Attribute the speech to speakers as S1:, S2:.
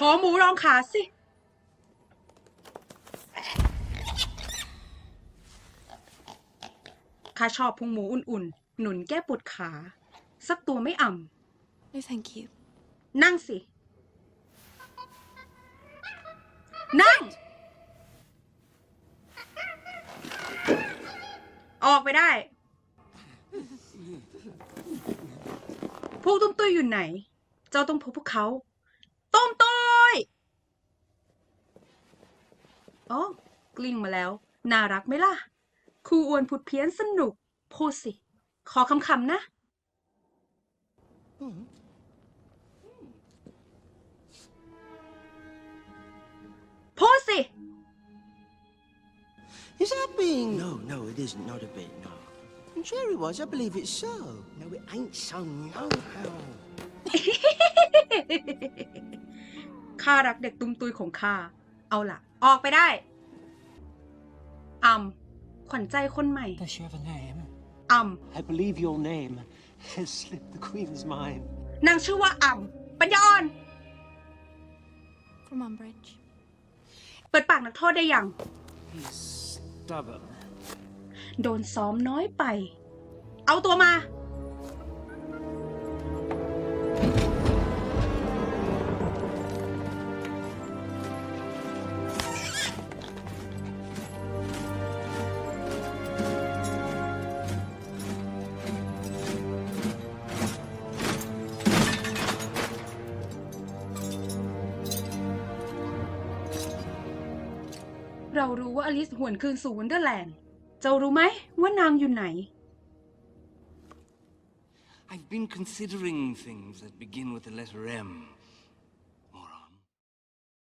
S1: อหมูรองขาสิข้าชอบพุงหมูอุ่นๆหนุนแก้ปวดขาสักตัวไม่อ่ำ
S2: No, thank you.
S1: นั่งสิ นั่ง ออกไปได้ พวกตุ้มตุ้ยอยู่ไหน เจ้าต้องพบพวกเขาตุ้มตุ้ยอ๋อกลิ้งมาแล้ว น่ารักไหมล่ะ ครูอ้วนผุดเพี้ยนสนุก พูดสิ ขอคำๆนะ พูดสิ
S3: Is that being? No, no, it isn't. Not a bit. No. And Jerry was. I believe it's so. No, it ain't so. No how.
S1: ข้ารักเด็กตุ้มตุยของข้า เอาล่ะ ออกไปได้ขวัญใจคนใหม่
S4: Does she have a name?
S5: I believe your name has slipped the Queen's mind.
S1: นางชื่อว่าปัญญาอ่อน
S2: From Umbridge.
S1: เปิดปากนักโทษได้ยัง
S5: He's stubborn.
S1: โดนซ้อมน้อยไป เอาตัวมา เรารู้ว่าอลิซหวนคืนสู่วันเดอร์แลนด์ เจ้ารู้ไหมว่านางอยู่ไหน
S5: I've been considering things that begin with the letter M.